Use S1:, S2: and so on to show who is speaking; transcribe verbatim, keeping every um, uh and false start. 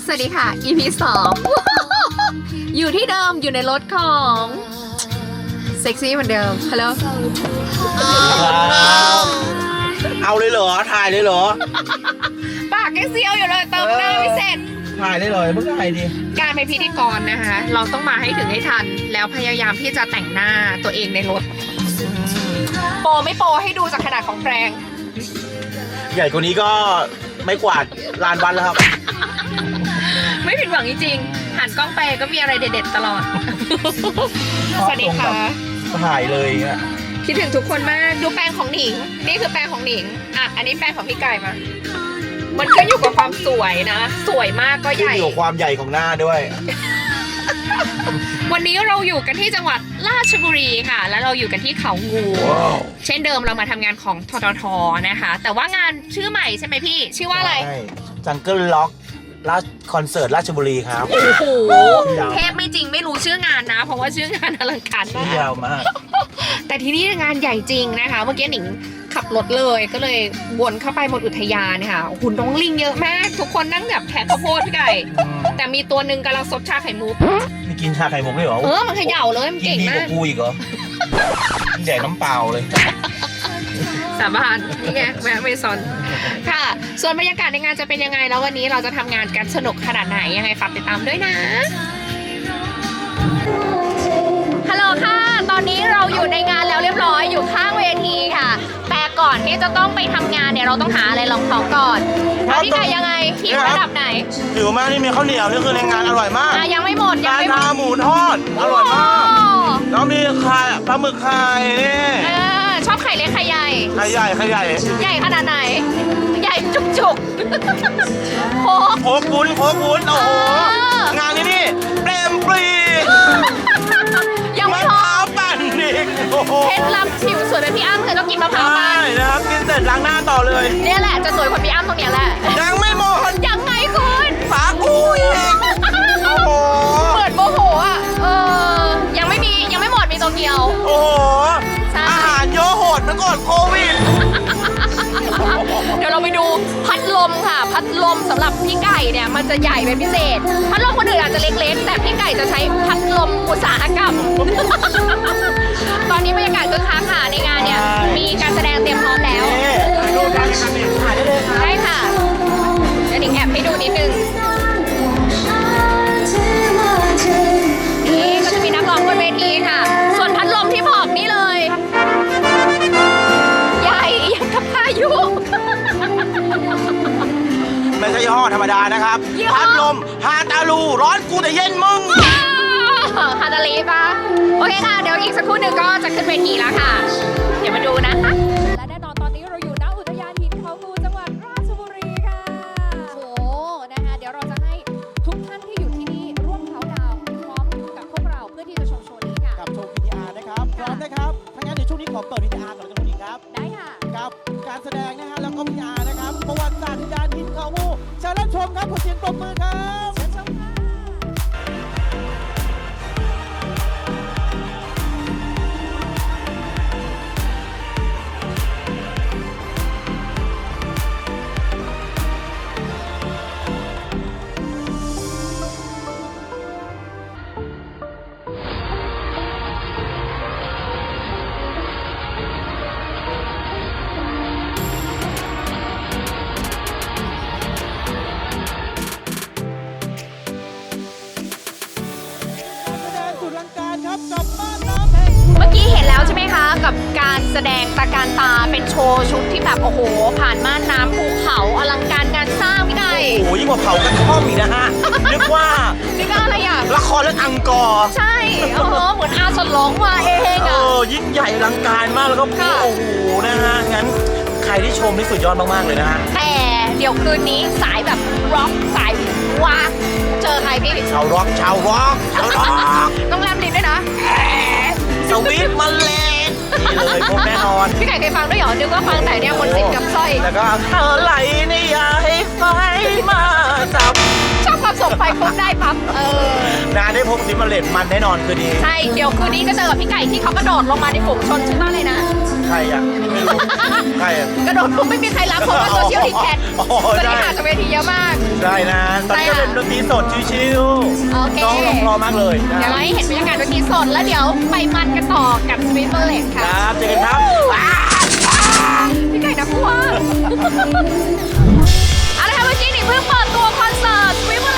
S1: สวัสดีค่ะ อี พี สองอยู่ที่เดิมอยู่ในรถของเซ็กซี่เหมือนเดิมฮัลโหล
S2: เอาเลยเหรอถ่ายเลยเหรอ
S1: ปากยังเซียวอยู่เลยเติมหน้าไม่เสร็จ
S2: ถ่ายเลยเหรอมึงถ่ายดิ
S1: การเป็นพิธีกรนะคะเราต้องมาให้ถึงให้ทันแล้วพยายามที่จะแต่งหน้าตัวเองในรถโปรไม่โปรให้ดูจากขนาดของแปรง
S2: ใหญ่กว่านี้ก็ไม่กวาดลานวันแล้วครับ
S1: ไม่ผิดหวังจริงๆหันกล้องไปก็มีอะไรเด็ดๆตลอด สวัสดีค่ะ
S2: ถ่ายเลยอ่ะ
S1: คิดถึงทุกคนมากดูแปรงของหนิงนี่คือแปรงของหนิงอ่ะอันนี้แปรงของพี่ไก่มามันขึ้นอยู่กับความสวยนะสวยมากก็ใหญ่
S2: อยู่กับความใหญ่ของหน้าด้วย
S1: วันนี้เราอยู่กันที่จังหวัดราชบุรีค่ะแล้วเราอยู่กันที่เขางู
S2: wow.
S1: เช่นเดิมเรามาทำงานของทททนะคะแต่ว่างานชื่อใหม่ใช่ไหมพี่ชื่อว่าอะไร
S2: จังเกิลล็อกราชคอนเสิร์ตราชบุรีครับ
S1: โอ้โหเทพไม่จริงไม่รู้ชื่องานนะ เพราะว่าชื่องานอลังการมาก
S2: ยาวมาก
S1: แต่ที่นี่งานใหญ่จริงนะคะเมื่อกี้หนิงขับรถเลยก็เลยวนเข้าไปบนอุทยานค่ะหุ่นน้องลิงเยอะมากทุกคนนั่งแบบแทะข้าวโพดพี่ไก่แต่มีตัวหนึ่งกำลังซดชาไข่มุก
S2: มีกินชาไข่มุกด้วยเหรอ
S1: เออมันเขย่าเลยมัน
S2: กิน
S1: เก่ง
S2: ดี
S1: มาก
S2: ว่ากูอีกเหรอแดกน้ำเปล่าเลย
S1: สาบานนี่ไงแวะเมซอนค่ะส่วนบรรยากาศในงานจะเป็นยังไงแล้ววันนี้เราจะทำงานกันสนุกขนาดไหนยังไงฝากติดตามด้วยนะฮัลโหลค่ะตอนนี้เราอยู่ในงานแล้วเรียบร้อยอยู่ข้างเวทีค่ะแต่ก่อนที่จะต้องไปทำงานเนี่ยเราต้องหาอะไรรองท้องก่อนพี่ไก่ยังไงทีมระดับไหน
S2: หิวมากนี่มีข้าวเหนียวนี่คือในงานอร่อยมาก
S1: อ่ะยังไม่หมดยัง
S2: การ
S1: ไม่หมด
S2: ทาหมูทอดอร่อยมากแล้วมีไข่ปลาหมึกไข่นี่
S1: เออชอบไข่เล็กไข่ใหญ่
S2: ไข่ใหญ่ไข่ใหญ่
S1: ใหญ่ขนาดไหนใหญ่จุกจุกโค้ก
S2: โคกุนโคกุนโอ้โห งานนี้นี่เปรมปรี
S1: ยังไม่
S2: มะ
S1: พ
S2: พ
S1: อ
S2: ร้าวปั่นอีกโอ้โห
S1: เคล็ดลับผิวสวยแบบพี่อ้ำเธอต้องกินมะพร้าว
S2: ใช่
S1: ปั่น
S2: นะครับกินเสร็จล้างหน้าต่อเลย
S1: เนี่ยแหละจะสวยกว่าพี่อ้ำตรงเนี้ยแหละ
S2: ยังไม่หมด
S1: ยังไงคุณ
S2: ฝากูอีกโอ้โห
S1: เปิดโมโหอ่ะเออยังไม่มียังไม่หมดมีโตเกียว
S2: โอ้โห
S1: ใช่
S2: อาหารเยอะโหดเหมือนก่อนโควิด
S1: เดี๋ยวเราไปดูพัดลมค่ะ พัดลมสำหรับพี่ไก่เนี่ยมันจะใหญ่เป็นพิเศษ พัดลมคนอื่นอาจจะเล็กๆแต่พี่ไก่จะใช้พัดลมอุตสาหกรรม ตอนนี้บรรยากาศคึกคักค่ะในงานเนี่ยมีการแสดงเตรียมพร้อมแล้ว
S2: ดูการทำเนี่ยถ่ายได้เลยครับ
S1: ใช่ค่ะเดี๋ยวหนิงแอบให้ดูนิดนึงนี่ก็จะมีนักร้องบนเวทีค่ะ ส่วนพัดลมที่บอกนี่เลย ใหญ่ยังกับพายุ
S2: ไม่ใช่ยี่ห้อธรรมดานะครับ
S1: ยี่ห้อ
S2: พัดลมฮาตาลูร้อนกูแต่เย็นมึง
S1: ฮานาลีปะโอเคค่ะ เดี๋ยวอีกสักครู่หนึ่งก็จะขึ้นเวทีแล้วค่ะ เดี๋ยวมาดูนะคะ
S3: และแน่นอนตอนนี้เราอยู่ณอุทยานหินเขางูจังหวัดราชบุรีค่ะ โอ้โห นะคะเดี๋ยวเราจะให้ทุกท่านที่อยู่ที่นี่ร่วมเขาน์ดาวน์พร้อมกับพวกเราเพื่อที่จะชมโชว์นี้ค่ะ
S4: กับโชว์ วี ที อาร์ นะครับ พร้อมนะครับถ้างั้นเดี๋ยวช่วงนี้ขอเปิด วี ที อาร์ ก่อนจะคุณอีกครับ
S3: ได้ค่ะ
S4: กับการแสดงนะฮะ แล้วก็ วี ที อาร์ นะครับ ประวัติศาสตร์อุทยานหินเขางูเชิญรับชมครับขอเสียงปรบมือครับ
S3: เชิญชมค่ะ
S4: การแสดงสุดอลังการครับกับม่านน้ำแห่ง
S1: เมื่อกี้เห็นแล้วใช่ไหมคะ กับการแสดงตะการตาเป็นโชว์ชุดที่แบบโอ้โห ผ่านม่านน้ำภูเขาอลังการงานสร้างพี่ไก่
S2: โอ้โหยิ่งกว่าเผากระท่อมอีกนะฮะ นึกว่า
S1: นี่ก็อะไรอ่ะ
S2: ละครเรื่องอังกอร์
S1: ใช่โอ้โหเหมือนอาสนหลงมาเอง
S2: เอ
S1: อ่ะ
S2: อยิ่งใหญ่อลังการมากแล้วก็
S1: ค่ะ
S2: โอ้โหนะฮะ งั้นใครที่ชมนี่สุดยอดมาก ๆ เลยนะฮะ
S1: แต่เดี๋ยวคืนนี้สายแบบร็อกสายวากเจอใครพี่
S2: ชาวร็อกชาวร็อกชาวร็อก
S1: ต้องแรมลิ้นด้วยนะ
S2: สวีทมาเลนนี่เลยพวกแน่นอน
S1: พี่ไก่เคยฟังด้วยเหรอนึกว่าฟังแต่เนี่ยมนต์สิทธิ์กับสร้อย
S2: แล้วก็เธอไหลในยาให้ไฟมาจับ
S1: ชอบความส่งไฟปุ๊บได้ปั๊บเออ
S2: นาได้พบซิมาเลตมันแน่นอนคือดี
S1: ใช่เดี๋ยวคืนนี้จะเจอกับพี่ไก่ที่เขากระโดดลงมาในฝูงชนชื่อว่าอะไรนะ
S2: ใครอ่ะไม่รู้ใครอ่ะ
S1: กระโดดปุ๊บไม่มีใครรับเพราะว่าโซเชียลดิแคท
S2: อ๋อ
S1: ตอน
S2: ใช่
S1: นี้ห่างจากเวทีเยอะมาก
S2: ใช่นะ ตอนนี้ก็เป็นดนตรีสดชิว
S1: โอเค
S2: ๆน้องร้องเพราะมากเลยนะ
S1: เดี๋ยวเราให้เห็นบรรยากาศดนตรีสดแล้วเดี๋ยวไปมันกันต่อกับสวิตเซอร์แลนด์
S2: ค
S1: ค่ะ
S2: รับเจอกันครับ
S1: พี่ไก่น่ากลัวเอาละค่ะเมื่อกี้หนิงเพิ่งเปิดตัวคอนเสิร์ตสวิตเซอร์แล